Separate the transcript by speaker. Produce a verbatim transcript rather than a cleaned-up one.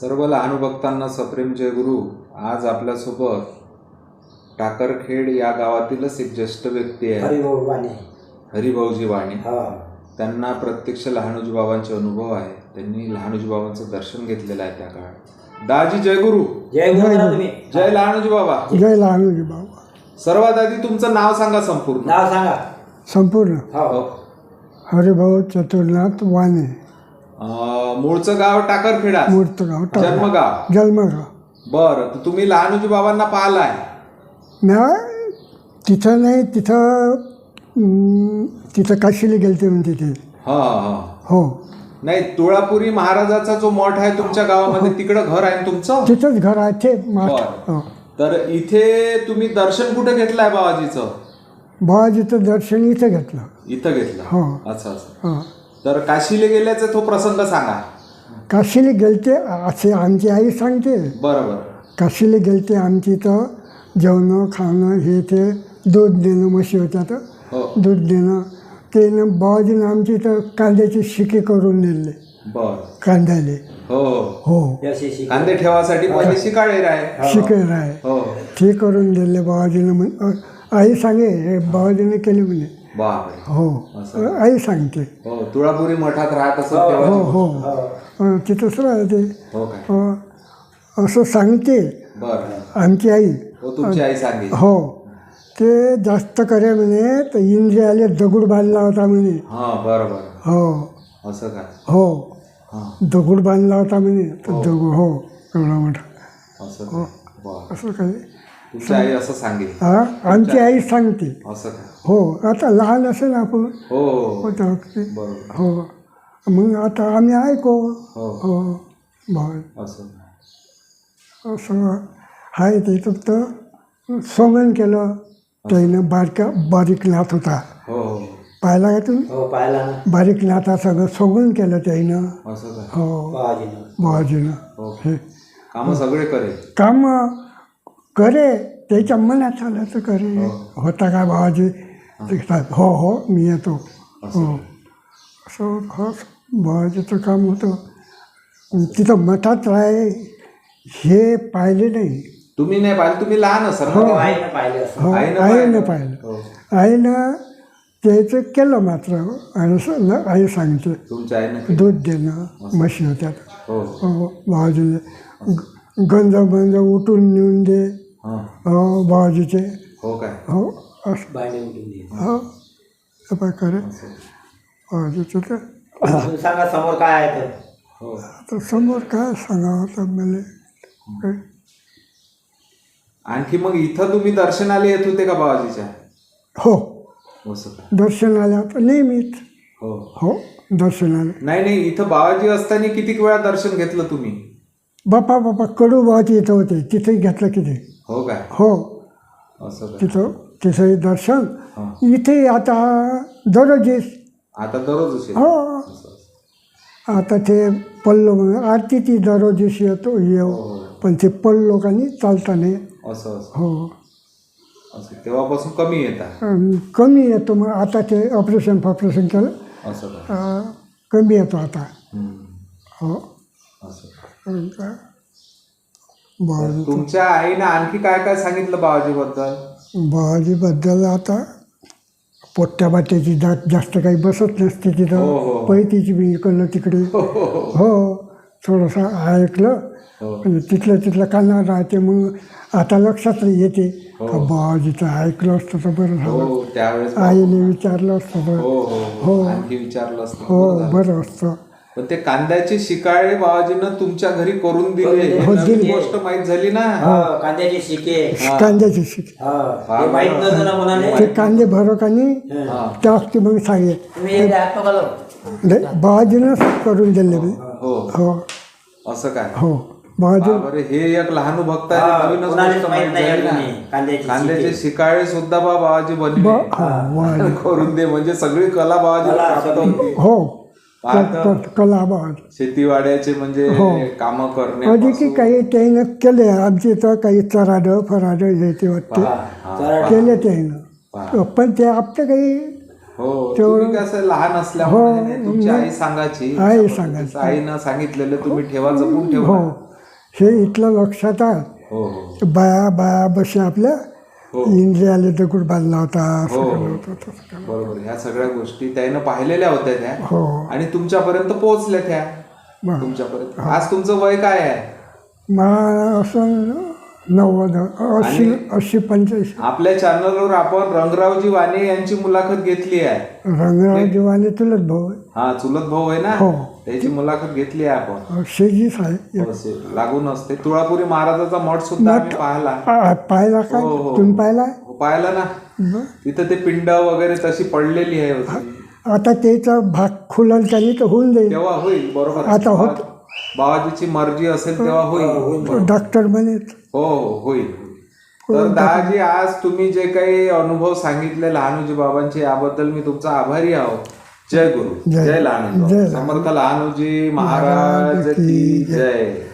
Speaker 1: सर्व लहान भक्तांना सप्रेम जय गुरु. आज आपल्यासोबत टाकरखेड या गावातीलच एक ज्येष्ठ व्यक्ती आहे,
Speaker 2: हरिभाऊ वाणे.
Speaker 1: हरिभाऊजी वाणे.
Speaker 2: हा.
Speaker 1: त्यांना प्रत्यक्ष लहानोजी बाबांचे अनुभव आहे. त्यांनी लहानोजी बाबांचं दर्शन घेतलेलं आहे त्या काळात. दाजी जय गुरु.
Speaker 2: जय गुरु करा तुम्ही.
Speaker 1: जय लहानोजी बाबा.
Speaker 3: जय लहानोजी बाबा.
Speaker 1: सर्वात आधी तुमचं नाव सांगा संपूर्ण.
Speaker 2: नाव सांगा
Speaker 3: संपूर्ण.
Speaker 2: हो.
Speaker 3: हरिभाऊ चतुर्नाथ वाणे.
Speaker 1: अं, मूळचं गाव टाकरखेडा,
Speaker 3: मूर्त गाव टाक-
Speaker 1: जन्मगाव.
Speaker 3: जन्मगाव.
Speaker 1: बरं, तर तुम्ही लहानोजी बाबांना पाहिलाय?
Speaker 3: नाही तिथं नाही, तिथं अं, तिथं काशीला गेलते म्हणते ते.
Speaker 1: हा हा.
Speaker 3: हो,
Speaker 1: नाही, तुळापुरी महाराजाचा जो मठ आहे तुमच्या गावामध्ये, तिकडं घर आहे ना तुमचं?
Speaker 3: तिथंच घर आहे ते माठ.
Speaker 1: बरं.
Speaker 3: हो.
Speaker 1: तर इथे तुम्ही दर्शन कुठे घेतलंय बाबाजीचं?
Speaker 3: बाबाजीचं दर्शन इथं घेतलं.
Speaker 1: इथं घेतलं.
Speaker 3: हो.
Speaker 1: अच्छा अच्छा.
Speaker 3: हो.
Speaker 1: तर काशीला गेल्याचा तो प्रसंग सांगा.
Speaker 3: काशीला गेलते असे आमची आई सांगते.
Speaker 1: बरोबर.
Speaker 3: काशीला गेलते आमची तर जेवणं खाणं हे ते दूध देणं, म्हशी होत्या तर
Speaker 1: हो.
Speaker 3: दूध देणं ते न बाबाजीनं आमची तर कांद्याची शिके करून नेले.
Speaker 1: बर.
Speaker 3: कांद्याले.
Speaker 1: हो
Speaker 3: हो,
Speaker 2: यशी शिक.
Speaker 1: कांदे ठेवासाठी पहिले शिकाळे आहे.
Speaker 3: शिके राय
Speaker 1: हो.
Speaker 3: ते करून दिले बाबाजीनं. म्हण आई सांगे हे बाबाजीने केले म्हणे.
Speaker 1: बापरे.
Speaker 3: हो,
Speaker 1: असं.
Speaker 3: आई सांगते.
Speaker 1: हो, तुळापुरी मठात राहत असत
Speaker 3: हो
Speaker 1: तेव्हा.
Speaker 3: हो
Speaker 2: हो.
Speaker 3: अं, तिथंच राहते.
Speaker 1: हो काय.
Speaker 3: हो, असं सांगते
Speaker 1: बर.
Speaker 3: आमची आई.
Speaker 1: हो, तुमची आई सांगे.
Speaker 3: हो, ते जास्त करे म्हणे तर इंद्रियाले दगड बांधला होता म्हणे.
Speaker 1: हा बरोबर.
Speaker 3: हो.
Speaker 1: असं काय.
Speaker 3: हो,
Speaker 1: हा.
Speaker 3: दगड बांधला होता म्हणे तर दगड. हो, एवढा मोठा.
Speaker 1: असं काय. बर.
Speaker 3: असं काय.
Speaker 1: तुमची आई असं सांगे.
Speaker 3: हा, आमची आई सांगते.
Speaker 1: असं काय.
Speaker 3: हो, आता लहान असेल आपण.
Speaker 1: हो हो.
Speaker 3: होता वक्ती.
Speaker 1: बरोबर.
Speaker 3: हो, मग आता आम्ही ऐको.
Speaker 1: हो.
Speaker 3: हो, बरं.
Speaker 1: असं.
Speaker 3: असं आहे ते. फक्त सोंगण केलं त्यानं. बारका बारीक नाथ होता.
Speaker 1: हो हो.
Speaker 3: पाहिला का तुम्ही?
Speaker 2: हो पाहिला ना.
Speaker 3: बारीक नाथा सगळं सोंगण केलं त्यानं.
Speaker 1: असं काय.
Speaker 3: हो,
Speaker 2: बाबाजीनं.
Speaker 3: बाबाजीनं.
Speaker 1: हो.
Speaker 3: हे
Speaker 1: काम सगळे करे.
Speaker 3: काम करे, त्याच्या मनात आलं तर करे. होता का बाबाजी? ते म्हणतात, हो हो मी येतो. हो, असं हो बाबाजीचं काम होतं. तिथं मठात राहे हे पाहिले नाही.
Speaker 1: तुम्ही नाही पाहिलं, तुम्ही लहान असाल
Speaker 3: हो.
Speaker 1: ना.
Speaker 2: आईनं पाहिलं असं.
Speaker 3: हो,
Speaker 1: आईनं
Speaker 3: आईनं
Speaker 1: पाहिलं.
Speaker 3: पाहिलं.
Speaker 1: हो.
Speaker 3: आईनं त्याचं केलं मात्र. आणि असं न- आई सांगते
Speaker 1: तुमच्या आईनं.
Speaker 3: दूध देणं, म्हशी होत्या.
Speaker 1: हो.
Speaker 3: हो, बाबाजीने ग- गंज बंज उठून नेऊन दे.
Speaker 1: हा.
Speaker 3: हो, बाबाजीचे.
Speaker 1: हो काय.
Speaker 3: हो, असं.
Speaker 2: बाईने उठून दे.
Speaker 3: हो, असं करे बाबाजीचं. तर
Speaker 2: तुम्ही सांगा समोर काय आहे तर.
Speaker 1: हो.
Speaker 3: आता समोर काय सांगावं तर मला काय.
Speaker 1: आणखी मग इथं तुम्ही दर्शनाला येत होते का बाबाजीच्या?
Speaker 3: हो,
Speaker 1: असं काय.
Speaker 3: दर्शनाला तर नेहमीच.
Speaker 1: हो.
Speaker 3: हो, दर्शनाला.
Speaker 1: नाही नाही, इथं बाबाजी असताना किती वेळा दर्शन घेतलं तुम्ही?
Speaker 3: बापा बापा कडू बाबाजी इथं होते, तिथंही घेतलं किती.
Speaker 1: हो काय.
Speaker 3: हो,
Speaker 1: असं काय.
Speaker 3: तिथं तिथंही दर्शन.
Speaker 1: हा.
Speaker 3: इथे आता दररोजीच.
Speaker 1: आता दररोज असेल.
Speaker 3: हो,
Speaker 1: असं असं.
Speaker 3: आता ते पल्लो म्हणून आरती ती दररोजीच येतो येऊ.
Speaker 1: हो.
Speaker 3: पण ते पल्लो लोकांनी चालता नाही.
Speaker 1: असं असं.
Speaker 3: हो,
Speaker 1: असं तेव्हापासून कमी येतात.
Speaker 3: अन् कमी येतो. मग आता ते ऑपरेशन फॉपरेशन केलं.
Speaker 1: असं काय.
Speaker 3: अं, कमी येतो आता.
Speaker 1: हम्म.
Speaker 3: हो,
Speaker 1: असं.
Speaker 3: अन् काय
Speaker 1: तर
Speaker 3: बाबाजी
Speaker 1: तुमच्या आईनं आणखी काय काय सांगितलं बाबाजीबद्दल?
Speaker 3: बाबाजीबद्दल आता पोट्ट्या बाट्याची जात जास्त काही बसत नसते
Speaker 1: हो,
Speaker 3: तिथं.
Speaker 1: हो.
Speaker 3: पैतीची बी इकडलं तिकडे. हो, थोडंसं ऐकलं
Speaker 1: हो.
Speaker 3: म्हणजे तिथलं तिथलं कानावर राहते. मग आता लक्षात येते
Speaker 1: हो.
Speaker 3: का बाबाजीचं ऐकलं असतं तर बरं झालं.
Speaker 1: हो, त्यावेळेस.
Speaker 3: आईने विचारलं असतं तर
Speaker 1: हो हो
Speaker 3: हो.
Speaker 1: हो. आणखी विचारलं असतं.
Speaker 3: हो,
Speaker 1: बरं झालं.
Speaker 3: बरं असतं.
Speaker 1: पण ते कांद्याचे शिकाळे बाबाजीनं तुमच्या घरी करून दिले. हे
Speaker 3: हो,
Speaker 1: नवीन
Speaker 3: दिले.
Speaker 1: गोष्ट माहीत झाली ना.
Speaker 2: हो, कांद्याचे शिके.
Speaker 1: हा.
Speaker 3: कांद्याची शिक.
Speaker 2: हो, हे माहित नव्हतं ना मुलाने.
Speaker 3: ते कांदे भरो आणि
Speaker 1: हा.
Speaker 3: त्या वक्ती मग सांगे
Speaker 2: तुम्ही एकदा हात पकडलो.
Speaker 3: बाबाजीनंच करून दिले मी.
Speaker 1: हो.
Speaker 3: हो
Speaker 1: असं काय.
Speaker 3: हो, बाबाजी.
Speaker 1: बापरे, हे एक लहान भक्त
Speaker 2: हा,
Speaker 1: आहे. नवीनच
Speaker 2: कोणालाच
Speaker 1: गोष्ट
Speaker 2: माहित
Speaker 1: माहीत
Speaker 2: नाही
Speaker 1: झाली
Speaker 2: अजूनही.
Speaker 1: ना.
Speaker 2: कांद्याचे
Speaker 1: कांद्याचे
Speaker 2: शिके.
Speaker 1: शिकाळे सुद्धा बा बाबाजी बनले.
Speaker 3: बा हा वा
Speaker 1: करून दे म्हणजे सगळी कला बाबाजी
Speaker 2: कला
Speaker 1: प्राप्त
Speaker 2: सगळी.
Speaker 1: होती.
Speaker 3: हो,
Speaker 1: आता
Speaker 3: क- क- कला बाबाजी.
Speaker 1: शेतीवाड्याचे म्हणजे
Speaker 3: हो.
Speaker 1: काम
Speaker 3: कधी की
Speaker 1: करणे.
Speaker 3: काही त्यानं केले. आमची तर काही चराडं फराडं हे ते वाटते
Speaker 2: चराड.
Speaker 3: केले त्यानं. पण ते आपलं काही
Speaker 1: हो,
Speaker 3: तेवढं-
Speaker 1: तुम्ही कसं लहान असल्यामुळे
Speaker 3: हो,
Speaker 1: नाही, तुमची आई सांगायची.
Speaker 3: आई सांगायची.
Speaker 1: आईनं सांगितलेलं तुम्ही ठेवा, जपून ठेवा.
Speaker 3: हो, हे इथलं लक्षात आहे.
Speaker 1: हो हो
Speaker 3: बाया बाया बशी आपल्या
Speaker 1: हो
Speaker 3: इंद्रियाला दगड बांधला होता असं
Speaker 1: हो.
Speaker 3: केलं होतं, तसं केलं.
Speaker 1: बरोबर. ह्या सगळ्या गोष्टी त्यानं पाहिलेल्या होत्या त्या
Speaker 3: हो
Speaker 1: आणि तुमच्यापर्यंत पोहोचल्या त्या.
Speaker 3: बरं.
Speaker 1: तुमच्यापर्यंत आज तुमचं वय काय आहे?
Speaker 3: मला असं नव्वद अस्सी अस्सी पंच्याऐंशी.
Speaker 1: आपल्या चॅनलवर आपण रंगरावजी वाणे यांची मुलाखत घेतली आहे.
Speaker 3: रंगराव दिवाने तुलत भाऊ आहे.
Speaker 1: हा चुलत भाऊ आहे ना,
Speaker 3: हो.
Speaker 1: त्याची मुलाखत घेतली आहे आपण.
Speaker 3: शेजीच आहे.
Speaker 1: असे लागून असते. तुळापुरी महाराजाचा मठ सुद्धा आम्ही पाहिला.
Speaker 3: आ, पाहिला काय
Speaker 1: हो, हो.
Speaker 3: तुम्ही पाहिला
Speaker 1: हो, पाहिला ना.
Speaker 3: बरं.
Speaker 1: तिथं ते पिंड वगैरे तशी पडलेली आहे होती.
Speaker 3: आता त्याचा भाग खुलल त्यांनी तर होऊन जाईल.
Speaker 1: तेव्हा होईल. बरोबर.
Speaker 3: आता होत.
Speaker 1: बाबाजीची मर्जी असेल तेव्हा होईल.
Speaker 3: डॉक्टर म्हणे
Speaker 1: हो हो होईल. तर दादाजी आज तुम्ही जे काही अनुभव सांगितले लहानोजी बाबांचे याबद्दल मी तुमचा आभारी आहो. जय गुरु.
Speaker 3: जय-
Speaker 1: जय लहानोजी.
Speaker 3: जय
Speaker 1: समर्थ लहानोजी महाराज की जय.